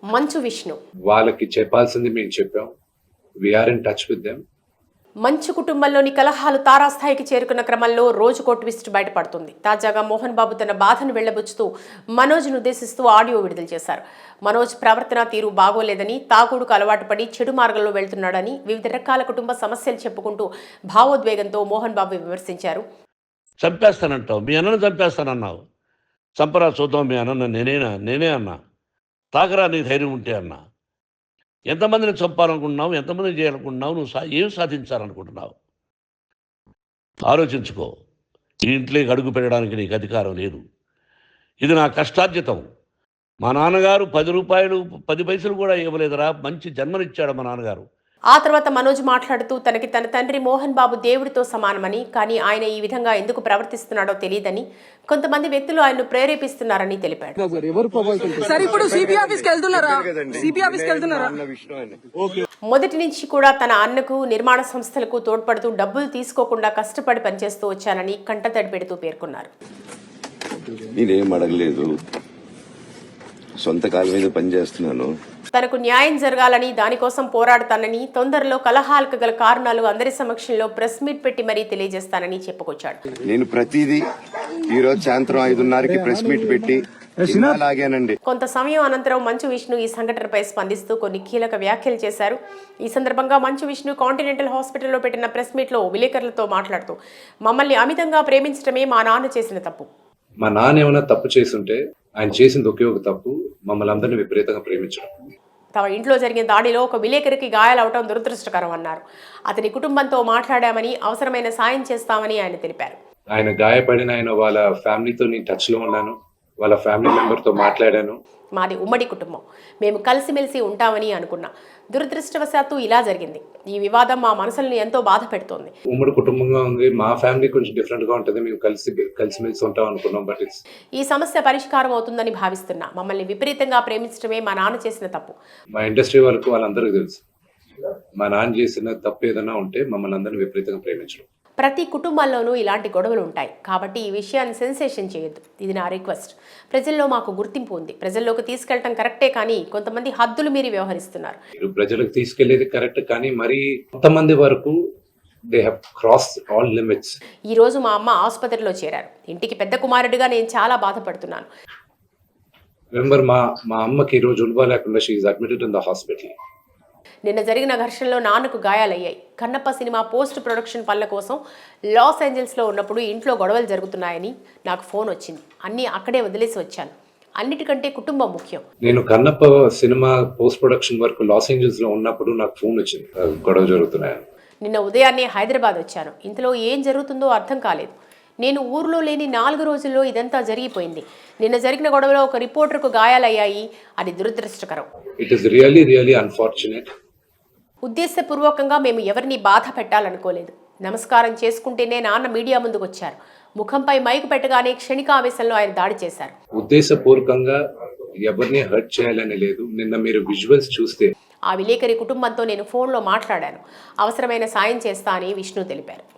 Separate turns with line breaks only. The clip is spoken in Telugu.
మంచు విష్ణు
వాళ్ళకి చెప్పాల్సింది మేము చెప్పాం. We are in touch with them.
Manchu కుటుంబంలోని కలహాలు తారాస్థాయికి చేరుకున్న క్రమంలో రోజుకో ట్విస్ట్ బయటపడుతుంది. తాజాగా మోహన్ బాబు తన బాధను వెళ్లబుచ్చుతూ మనోజ్ను ఉద్దేశిస్తూ ఆడియో విడుదల చేశారు. మనోజ్ ప్రవర్తన తీరు బాగోలేదని, తాగుడుకు అలవాటు పడి చెడు మార్గంలో వెళ్తున్నాడని, వివిధ రకాల కుటుంబ సమస్యలు చెప్పుకుంటూ భావోద్వేగంతో మోహన్ బాబు విమర్శించారు.
చంపేస్తానంటావు, మీ అన్నను చంపేస్తానన్నావు. చంపరా చూద్దాం మీ అన్న, నేనే అన్నా. తాకరా నీ ధైర్యం ఉంటే అన్నా. ఎంతమందిని చంపాలనుకుంటున్నావు, ఎంతమందిని చేయాలనుకుంటున్నావు, నువ్వు ఏం సాధించాలనుకుంటున్నావు ఆలోచించుకో. ఈ ఇంట్లోకి అడుగు పెట్టడానికి నీకు అధికారం లేదు. ఇది నా కష్టార్జితం. మా నాన్నగారు 10 రూపాయలు 10 పైసలు కూడా ఇవ్వలేదురా, మంచి జన్మనిచ్చాడు మా నాన్నగారు.
ఆ తర్వాత మనోజ్ మాట్లాడుతూ తనకి తన తండ్రి మోహన్ బాబు దేవుడితో సమానమని, కానీ ఆయన ఈ విధంగా ఎందుకు ప్రవర్తిస్తున్నాడో తెలియదని, కొంతమంది వ్యక్తులు ఆయన్ను ప్రేరేపిస్తున్నారని తెలిపాడు. మొదటి నుంచి కూడా తన అన్నకు, నిర్మాణ సంస్థలకు తోడ్పడుతూ డబ్బులు తీసుకోకుండా కష్టపడి పనిచేస్తూ వచ్చానని కంటతడి పెడుతూ పేర్కొన్నారు.
నేనేం అడగలేదు, సొంత కాళ్ళ మీద పనిచేస్తున్నాను.
తనకు న్యాయం జరగాలని, దానికోసం పోరాడతానని, తొందరలో కలహాలకు గల కారణాలు అందరి సమక్షంలో ప్రెస్ మీట్ పెట్టి మరీ తెలియజేస్తానని చెప్పుకొచ్చాడు.
నేను ప్రతిదీ ఈ రోజు సాయంత్రం 5:30కి ప్రెస్ మీట్ పెట్టి లాగానండి.
కొంత సమయం అనంతరం మంచు విష్ణు ఈ సంఘటనపై స్పందిస్తూ కొన్ని కీలక వ్యాఖ్యలు చేశారు. ఈ సందర్భంగా మంచు విష్ణు కాంటినెంటల్ హాస్పిటల్లో పెట్టిన ప్రెస్ మీట్ లో విలేకరులతో మాట్లాడుతూ, మమ్మల్ని అమితంగా ప్రేమించడమే మా నాన్న చేసిన తప్పు.
మా నాన్న ఏమైనా తప్పు చేస్తుంటే ఆయన చేసింది ఒకే ఒక తప్పు, మమ్మల్ని అందరినీ విపరీతంగా ప్రేమించడం.
తమ ఇంట్లో జరిగిన దాడిలో ఒక విలేకరికి గాయాలవటం దురదృష్టకరం అన్నారు. అతని కుటుంబంతో మాట్లాడామని, అవసరమైన సాయం చేస్తామని ఆయన తెలిపారు.
ఆయన గాయపడిన ఆయన వాళ్ళ ఫ్యామిలీతో నేను టచ్ లో ఉన్నాను, వాళ్ళ ఫ్యామిలీ మెంబర్తో మాట్లాడాను.
మాది ఉమ్మడి కుటుంబం, మేము కలిసిమెలిసి ఉంటామని అనుకున్నా. దురదృష్టవశాత్తు ఇలా జరిగింది. ఈ వివాదం మా మనసులను ఎంతో బాధ పెడుతోంది.
ఉమ్మడి కుటుంబంగా ఉంది, మా ఫ్యామిలీ కొంచెం డిఫరెంట్ గా ఉంటుంది, మేము కలిసిమెలిసి ఉంటాం అనుకున్నాం. బట్
ఈ సమస్య పరిష్కారం అవుతుందని భావిస్తున్నా. మమ్మల్ని విపరీతంగా ప్రేమించడమే మా నాన్న చేసిన తప్పు.
మా ఇండస్ట్రీ వరకు వాళ్ళందరికీ తెలుసు, మా నాన్న చేసిన తప్పు ఏదైనా ఉంటే మమ్మల్ని అందరినీ విపరీతంగా ప్రేమించడం.
ప్రతి కుటుంబాల్లోనూ ఇలాంటి గొడవలు ఉంటాయి, కాబట్టి ఈ విషయాన్ని సెన్సేషన్ చేయొద్దు. ఇది నా రిక్వెస్ట్. ప్రజల్లో మాకు గుర్తింపు ఉంది, ప్రజల్లోకి తీసుకెళ్లడం కరెక్టే, కానీ కొంతమంది హద్దులు మీరి వ్యవహరిస్తున్నారు.
ప్రజలకు తీసుకెళ్లేది కరెక్ట్, కానీ మరి కొంతమంది వరకు they have crossed all limits.
ఈ రోజు మా అమ్మ ఆసుపత్రిలో చేరారు. ఇంటికి పెద్ద కుమారుడిగా నేను చాలా బాధపడుతున్నాను.
రిమెంబర్, మా అమ్మకి ఈ రోజు ఉల్వా లేకుండా she is admitted in the hospital.
నిన్న జరిగిన ఘర్షణలో నాన్నకు గాయాలయ్యాయి. కన్నప్ప సినిమా పోస్ట్ ప్రొడక్షన్ పనుల కోసం లాస్ ఏంజల్స్లో ఉన్నప్పుడు ఇంట్లో గొడవలు జరుగుతున్నాయని నాకు ఫోన్ వచ్చింది. అన్నీ అక్కడే వదిలేసి వచ్చాను. అన్నిటికంటే కుటుంబం ముఖ్యం.
నేను కన్నప్ప సినిమా పోస్ట్ ప్రొడక్షన్ వరకు లాస్ ఏంజల్స్ లో ఉన్నప్పుడు నాకు ఫోన్ వచ్చింది, గొడవ జరుగుతున్నాయని.
నిన్న ఉదయాన్నే హైదరాబాద్ వచ్చాను. ఇంతలో ఏం జరుగుతుందో అర్థం కాలేదు. నేను ఊర్లో లేని 4 రోజుల్లో ఇదంతా జరిగిపోయింది. నిన్న జరిగిన గొడవలో ఒక రిపోర్టర్కు గాయాలయ్యాయి. అది దురదృష్టకరం.
It is really unfortunate.
ఉద్దేశపూర్వకంగా మేము ఎవరిని బాధ పెట్టాలనుకోలేదు. నమస్కారం చేసుకుంటేనే నాన్న మీడియా ముందుకు వచ్చారు. ముఖంపై మైకు పెట్టగానే క్షణికావేశంలో ఆయన దాడి చేశారు.
ఉద్దేశపూర్వకంగా ఎవరిని హర్ట్ చేయాలని లేదు. నిన్న మీరు విజువల్స్ చూస్తే
ఆ విలేకరి కుటుంబంతో నేను ఫోన్లో మాట్లాడాను. అవసరమైన సాయం చేస్తా అని విష్ణు తెలిపారు.